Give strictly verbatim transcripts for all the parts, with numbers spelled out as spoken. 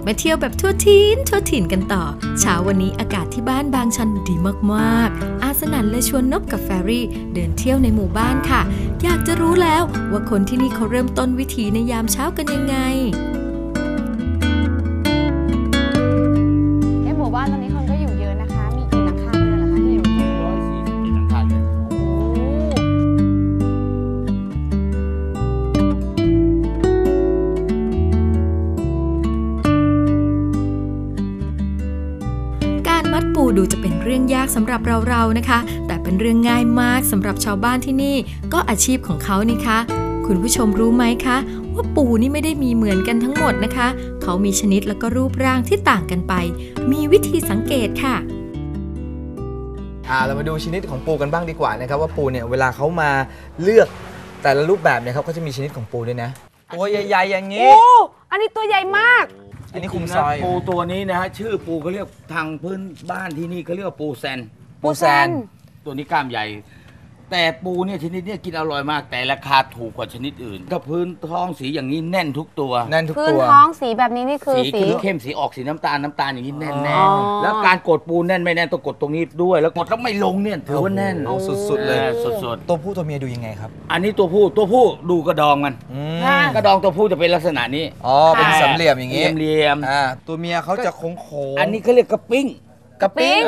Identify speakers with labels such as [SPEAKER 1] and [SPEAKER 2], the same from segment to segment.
[SPEAKER 1] มาเที่ยวแบบทั่วถิ่นทั่วถิ่นกันต่อเช้าวันนี้อากาศที่บ้านบางชันดีมากๆอาสนันเลยชวนนบกับแฟรี่เดินเที่ยวในหมู่บ้านค่ะอยากจะรู้แล้วว่าคนที่นี่เขาเริ่มต้นวิถีในยามเช้ากันยังไง
[SPEAKER 2] ในหมู่บ้านตอนนี้คนก็อยู่เยอะนะคะมีกี่หลังคาเรือนเหรอคะที่อยู่
[SPEAKER 3] ร้อยสี่สิบเอ็ดหลังคาเรือน
[SPEAKER 1] มัดปูดูจะเป็นเรื่องยากสำหรับเราๆนะคะแต่เป็นเรื่องง่ายมากสำหรับชาวบ้านที่นี่ก็อาชีพของเขานี่คะคุณผู้ชมรู้ไหมคะว่าปูนี่ไม่ได้มีเหมือนกันทั้งหมดนะคะเขามีชนิดแล้วก็รูปร่างที่ต่างกันไปมีวิธีสังเกตค่ะ
[SPEAKER 4] อ่าเรามาดูชนิดของปูกันบ้างดีกว่านะครับว่าปูเนี่ยเวลาเขามาเลือกแต่ละรูปแบบเนี่ยเขาก็จะมีชนิดของปูด้วยนะตัวใหญ่ๆอย่างนี้
[SPEAKER 2] โอ้อันนี้ตัวใหญ่มาก
[SPEAKER 4] อันนี้คุมซอย
[SPEAKER 3] ปูตัวนี้นะฮะชื่อปูเขาเรียกทางพื้นบ้านที่นี่เขาเรียกว่าปูแซน
[SPEAKER 4] ปูแซน
[SPEAKER 3] ตัวนี้กล้ามใหญ่แต่ปูเนี่ยชนิดนี้กินอร่อยมากแต่ราคาถูกกว่าชนิดอื่นถ้าพื้นท้องสีอย่างนี้แน่นทุกตัว
[SPEAKER 4] แน่นทุกตัว
[SPEAKER 2] พื้นท้องสีแบบนี้นี่คือ
[SPEAKER 3] สีเข้มสีออกสีน้ำตาลน้ำตาลอย่างนี้แน่นแน่แล้วการกดปูแน่นไม่แน่นต้องกดตรงนี้ด้วยแล้วกดแล้วไม่ลงเนี่ยถือว่าแน่น
[SPEAKER 4] สุดๆเลย
[SPEAKER 3] สุด
[SPEAKER 4] ๆตัวผู้ตัวเมียดูยังไงครับ
[SPEAKER 3] อันนี้ตัวผู้ตัวผู้ดูกระดองมันกระดองตัวผู้จะเป็นลักษณะนี้
[SPEAKER 4] อ๋อเป็นสามเหลี่ยมอย่างนี้
[SPEAKER 3] เหลี่ยม
[SPEAKER 4] อ่าตัวเมียเขาจะโค้ง
[SPEAKER 3] ๆอันนี้เขาเรียกกระปิ้ง
[SPEAKER 4] กระปิ้ง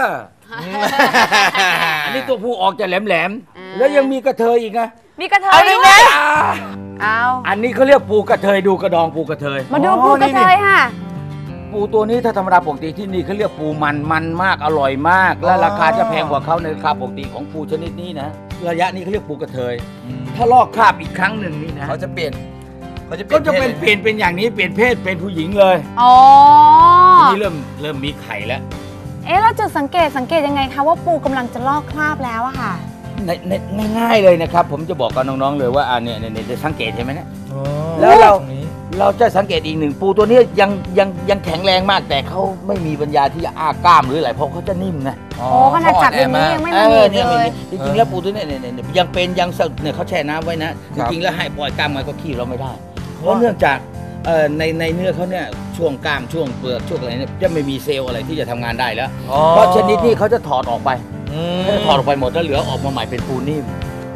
[SPEAKER 3] อันนี้ตัวผู้ออกจะแหลมๆแล้วยังมีกระเทยอีกนะ
[SPEAKER 2] มีกระเทยด้วยเอา
[SPEAKER 3] อันนี้เขาเรียกปูกระเทยดูกระดองปูกระเทย
[SPEAKER 2] มาดูปูกระเทยค่ะ
[SPEAKER 3] ปูตัวนี้ถ้าธรรมดาปกติที่นี่เขาเรียกปูมันมันมากอร่อยมากและราคาจะแพงกว่าเขาในราคาปกติของปูชนิดนี้นะระยะนี้เขาเรียกปูกระเทยถ้าลอกคราบอีกครั้งหนึ่งนี่นะ
[SPEAKER 4] เขาจะเปลี่ยน
[SPEAKER 3] เขาจะก็จะเป็นเปลี่ยนเป็นอย่างนี้เปลี่ยนเพศเป็นผู้หญิงเลย
[SPEAKER 2] อ๋อ
[SPEAKER 3] ทีนี้เริ่มเริ่มมีไข่แล้ว
[SPEAKER 2] เอ๊ะเราจุดสังเกตสังเกตยังไงคะว่าปูกำลังจะลอกคราบแล้วอะค่ะ
[SPEAKER 3] ในง่ายๆเลยนะครับผมจะบอกกับน้องๆเลยว่าอ่าเนี่ยเนี่ยจะสังเกตเห็นไหมเนี่ยแล้วเราเราจะสังเกตอีกหนึ่งปูตัวนี้ยังยังยังแข็งแรงมากแต่เขาไม่มีปัญญาที่จะอ้ากล้ามหรืออะไรเพราะเขาจะนิ่มนะ
[SPEAKER 2] โอ้ขนาดจับอย่างนี้ยังไม่มีเลย
[SPEAKER 3] จริงๆแล้วปูตัวนี้เนี่ยยังเป็นยังเนี่ยเขาแช่น้ำไว้นะจริงๆแล้วให้ปล่อยกล้ามมันก็ขี้เราไม่ได้เพราะเนื่องจากในในเนื้อเขาเนี่ยช่วงกล้ามช่วงเปลือกช่วงอะไรเนี่ยจะไม่มีเซลล์อะไรที่จะทำงานได้แล้วเพราะชนิดนี้เขาจะถอดออกไปเขาจะถอดออกไปหมดแล้วเหลือออกมาใหม่เป็นปูนิ่ม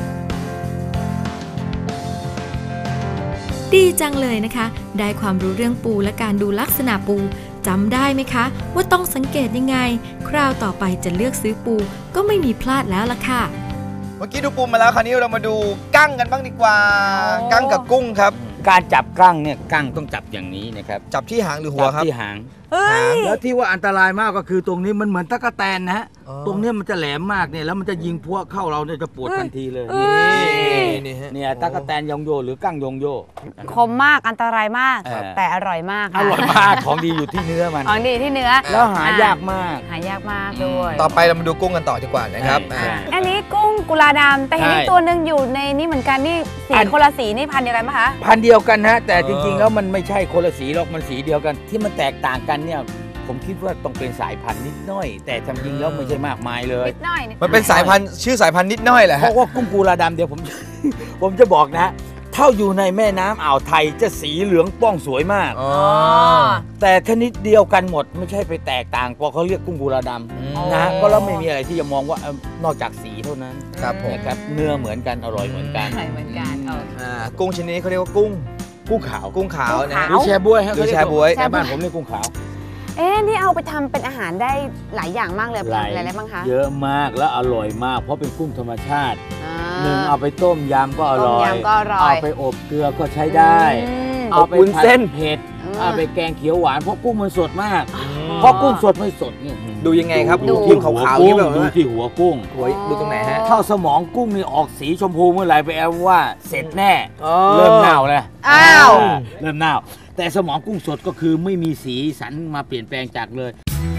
[SPEAKER 1] ดีจังเลยนะคะได้ความรู้เรื่องปูและการดูลักษณะปูจำได้ไหมคะว่าต้องสังเกตยังไงคราวต่อไปจะเลือกซื้อปูก็ไม่มีพลาดแล้วล่ะค่ะ
[SPEAKER 4] เมื่อกี้ดูปูมาแล้วคราวนี้เรามาดูกั้งกันบ้างดีกว่ากั้งกับกุ้งครับ
[SPEAKER 3] การจับกั้งเนี่ยกั้งต้องจับอย่างนี้นะครับ
[SPEAKER 4] จับที่หางหรือหัวครับ
[SPEAKER 3] ที่หางแล้วที่ว่าอันตรายมากก็คือตรงนี้มันเหมือนตะกั่วแตนนะฮะตรงนี้มันจะแหลมมากเนี่ยแล้วมันจะยิงพวกเข้าเราเนี่ยจะปวดทันทีเลยนี่เนี่ยตะกั่วแตนยองโยหรือกั้งยองโย
[SPEAKER 2] คมมากอันตรายมากแต่อร่อยมาก
[SPEAKER 3] อร่อยมากของดีอยู่ที่เนื้อมัน
[SPEAKER 2] ของดีที่เนื้อ
[SPEAKER 3] แล้วหายากมาก
[SPEAKER 2] หายากมากด้วย
[SPEAKER 4] ต่อไปเรามาดูกุ้งกันต่อดีกว่านะครับ
[SPEAKER 2] อันนี้กุ้งกุลาดำแต่เห็นอีกตัวหนึ่งอยู่ในนี้เหมือนกันนี่สีคนละสีนี่พันเดียวกันไหมคะ
[SPEAKER 3] พันเดียวกันฮะแต่จริงๆแล้วมันไม่ใช่คนละสีหรอกมันสีเดียวกันที่มันแตกต่างกันเนี่ยผมคิดว่าต้องเป็นสายพันธุ์นิดน้อยแต่จริงๆแล้วไม่ใช่มากมายเลย
[SPEAKER 2] นิดน้อย
[SPEAKER 4] มันเป็นสายพันธุ์ชื่อสายพันธุ์นิดน้อยแหละ
[SPEAKER 3] เพราะว่ากุ้งกุลาดำเดี๋ยวผมผมจะบอกนะเท่าอยู่ในแม่น้ำอ่าวไทยจะสีเหลืองป้องสวยมากแต่ชนิดเดียวกันหมดไม่ใช่ไปแตกต่างเพราะเขาเรียกกุ้งกุลาดำนะก็แล้วไม่มีอะไรที่จะมองว่านอกจากสีเท่านั้น
[SPEAKER 4] ครับผม
[SPEAKER 3] นะครับเนื้อเหมือนกันอร่อยเหมือนกัน
[SPEAKER 2] เหมือนกัน
[SPEAKER 4] กุ้งชนิดนี้เขาเรียกว่ากุ้ง
[SPEAKER 3] กุ้งขาว
[SPEAKER 4] กุ้งขาวนะ
[SPEAKER 3] หรือแชบวย
[SPEAKER 4] หรือแชบวย
[SPEAKER 3] บ้านผมเรียกกุ้งขาว
[SPEAKER 2] เอ๊ะนี่เอาไปทำเป็นอาหารได้หลายอย่างมากเลยอะไรบ้างคะ
[SPEAKER 3] เยอะมากและอร่อยมากเพราะเป็นกุ้งธรรมชาติหนึ่งเอาไปต้มยำก็อร่อยเอาไปอบเกลือก็ใช้ได้เอาไปเส้นเผ็ดเอาไปแกงเขียวหวานเพราะกุ้งมันสดมากเพราะกุ้งสดไม่สดนี่
[SPEAKER 4] ดูยังไงครับดูที่ขาวๆนี่แบบ
[SPEAKER 3] ดูที่หัวกุ้ง
[SPEAKER 4] ดูตรงไหนฮะ
[SPEAKER 3] ถ้าสมองกุ้งนี่ออกสีชมพูเมื่อไหร่ไปแปลว่าเสร็จแน่เริ่มเน่าเลย
[SPEAKER 2] อ้าว
[SPEAKER 3] เริ่มเน่าแต่สมองกุ้งสดก็คือไม่มีสีสันมาเปลี่ยนแปลงจากเลย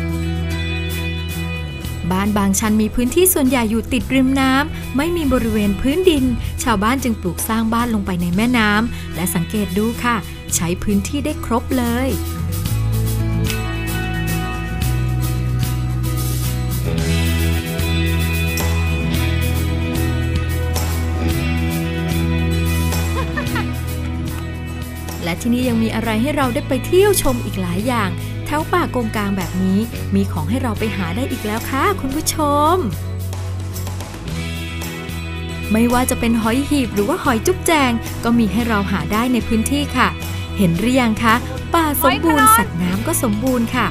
[SPEAKER 1] บ้านบางชันมีพื้นที่ส่วนใหญ่อยู่ติดริมน้ำไม่มีบริเวณพื้นดินชาวบ้านจึงปลูกสร้างบ้านลงไปในแม่น้ำและสังเกตดูค่ะใช้พื้นที่ได้ครบเลยและที่นี่ยังมีอะไรให้เราได้ไปเที่ยวชมอีกหลายอย่างแถวป่าโกงกางแบบนี้มีของให้เราไปหาได้อีกแล้วค่ะคุณผู้ชมไม่ว่าจะเป็นหอยหีบหรือว่าหอยจุ๊บแจงก็มีให้เราหาได้ในพื้นที่ค่ะเห็นหรือยังคะป่าสมบูรณ์สัตว์น้ำก็สมบูรณ์ค่ะ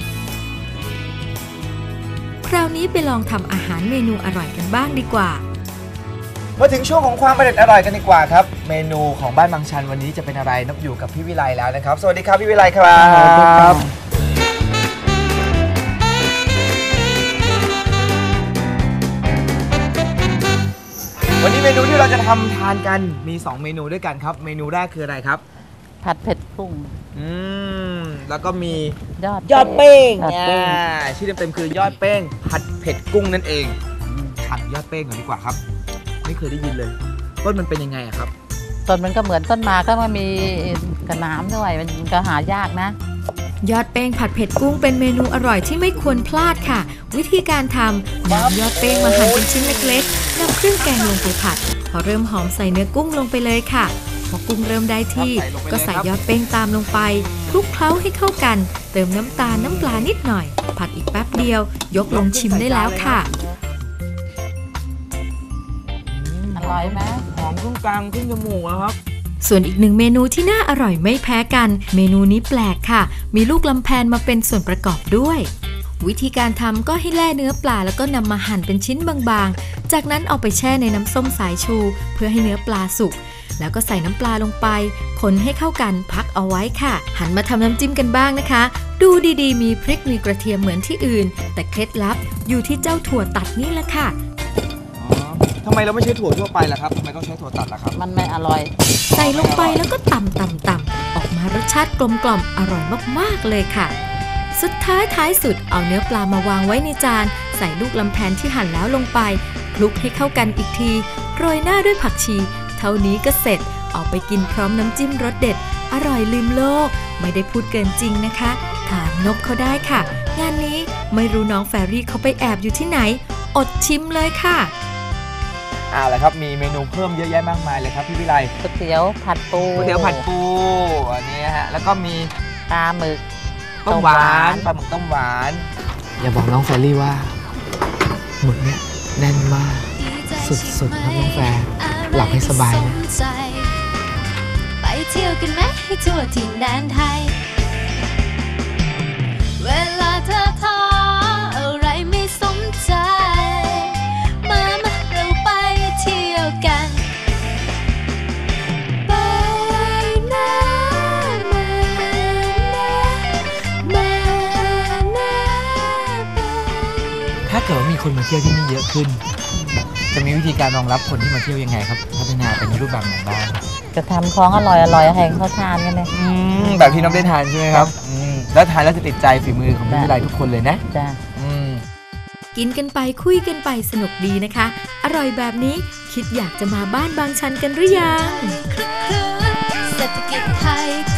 [SPEAKER 1] คราวนี้ไปลองทำอาหารเมนูอร่อยกันบ้างดีกว่า
[SPEAKER 4] มาถึงช่วงของความอร่อยอร่อยกันดีกว่าครับเมนูของบ้านบางชันวันนี้จะเป็นอะไรนับอยู่กับพี่วิไลแล้วนะครับสวัสดีครับพี่วิไลครับวันนี้เมนูที่เราจะทำทานกันมีสองเมนูด้วยกันครับเมนูแรกคืออะไรครับ
[SPEAKER 5] ผัดเผ็ดกุ้ง
[SPEAKER 4] อืมแล้วก็มี
[SPEAKER 5] ยอด
[SPEAKER 4] ยอดเป้ง
[SPEAKER 5] อ่า
[SPEAKER 4] ชื่อเต็มๆคือยอดเป้งผัดเผ็ดกุ้งนั่นเองทานยอดเป้งก่อนดีกว่าครับไม่เคยได้ยินเลยต้นมันเป็นยังไงอะครับ
[SPEAKER 5] ต้นมันก็เหมือนต้นมาก็มันมีกระน้ำด้วยมันก็หายากนะ
[SPEAKER 1] ยอดเป้งผัดเผ็ดกุ้งเป็นเมนูอร่อยที่ไม่ควรพลาดค่ะวิธีการทำนำยอดเป้งมาหั่นเป็นชิ้นเล็กๆนำเครื่องแกงลงไปผัดพอเริ่มหอมใส่เนื้อกุ้งลงไปเลยค่ะพอกุ้งเริ่มได้ที่ก็ใส่ยอดเป้งตามลงไปคลุกเคล้าให้เข้ากันเติมน้ำตาลน้ำปลานิดหน่อยผัดอีกแป๊บเดียวยกลงชิมได้แล้วค่ะ
[SPEAKER 5] อร่อยไหม
[SPEAKER 4] หอมขึ้นกลางขึ้นจมูกแล้วครับ
[SPEAKER 1] ส่วนอีกหนึ่งเมนูที่น่าอร่อยไม่แพ้กันเมนูนี้แปลกค่ะมีลูกลำแพนมาเป็นส่วนประกอบด้วยวิธีการทำก็ให้แล่เนื้อปลาแล้วก็นำมาหั่นเป็นชิ้นบางๆจากนั้นเอาไปแช่ในน้ำส้มสายชูเพื่อให้เนื้อปลาสุกแล้วก็ใส่น้ำปลาลงไปคนให้เข้ากันพักเอาไว้ค่ะหันมาทำน้ำจิ้มกันบ้างนะคะดูดีๆมีพริกมีกระเทียมเหมือนที่อื่นแต่เคล็ดลับอยู่ที่เจ้าถั่วตัดนี่แหละค่ะ
[SPEAKER 4] ทำไมเราไม่ใช้ถั่วทั่วไปล่ะครับทำไมต้องใช้ถั่วตัดล่ะครับ
[SPEAKER 5] มันไม่อร่อย
[SPEAKER 1] ใส่ลงไปแล้วก็ตำตำตำออกมารสชาติกลมกล่อมอร่อยมากๆเลยค่ะสุดท้ายท้ายสุดเอาเนื้อปลามาวางไว้ในจานใส่ลูกลำแพนที่หั่นแล้วลงไปคลุกให้เข้ากันอีกทีโรยหน้าด้วยผักชีเท่านี้ก็เสร็จเอาไปกินพร้อมน้ำจิ้มรสเด็ดอร่อยลืมโลกไม่ได้พูดเกินจริงนะคะถามนบเขาได้ค่ะงานนี้ไม่รู้น้องแฟรี่เขาไปแอบอยู่ที่ไหนอดชิมเลยค่ะ
[SPEAKER 4] เอาละครับมีเมนูเพิ่มเยอะแยะมากมายเลยครับพี่วิไล
[SPEAKER 5] ก๋วยเตี๋ยวผัดปู
[SPEAKER 4] ก๋วยเตี๋ยวผัดปูอันนี้ฮะแล้วก็มี
[SPEAKER 5] ปลาหมึก
[SPEAKER 4] ต้มหวานปลาหมึกต้มหวานอย่าบอกน้องแฟรี่ว่าหมึกเนี่ยแน่นมากสุดๆครับน้องแฟร์หลับให้สบายนะ
[SPEAKER 6] ไปเที่ยวกันไหมให้ทั่วถิ่นแดนไทยเวลาเธอท้ออะไรไม่สนใจมามาเราไปเที่ยวกันไปนะมานะมานะไป
[SPEAKER 4] ถ้าเกิดว่ามีคนมาเที่ยวที่นี่เยอะขึ้นจะมีวิธีการรองรับคนที่มาเที่ยวยังไงครับพัฒนาเป็นรูปแบบไหนบ้าง
[SPEAKER 5] จะทำของอร่อยอร่อยให้เขาทานกันเลย
[SPEAKER 4] แบบที่น้องได้ทานใช่ไหมครับแล้วทานแล้วจะติดใจฝีมือของพี่วิไลทุกคนเลยนะ
[SPEAKER 5] จ้ะ
[SPEAKER 1] กินกันไปคุยกันไปสนุกดีนะคะอร่อยแบบนี้คิดอยากจะมาบ้านบางชันกันหรือยัง
[SPEAKER 6] เศรษฐกิจไทย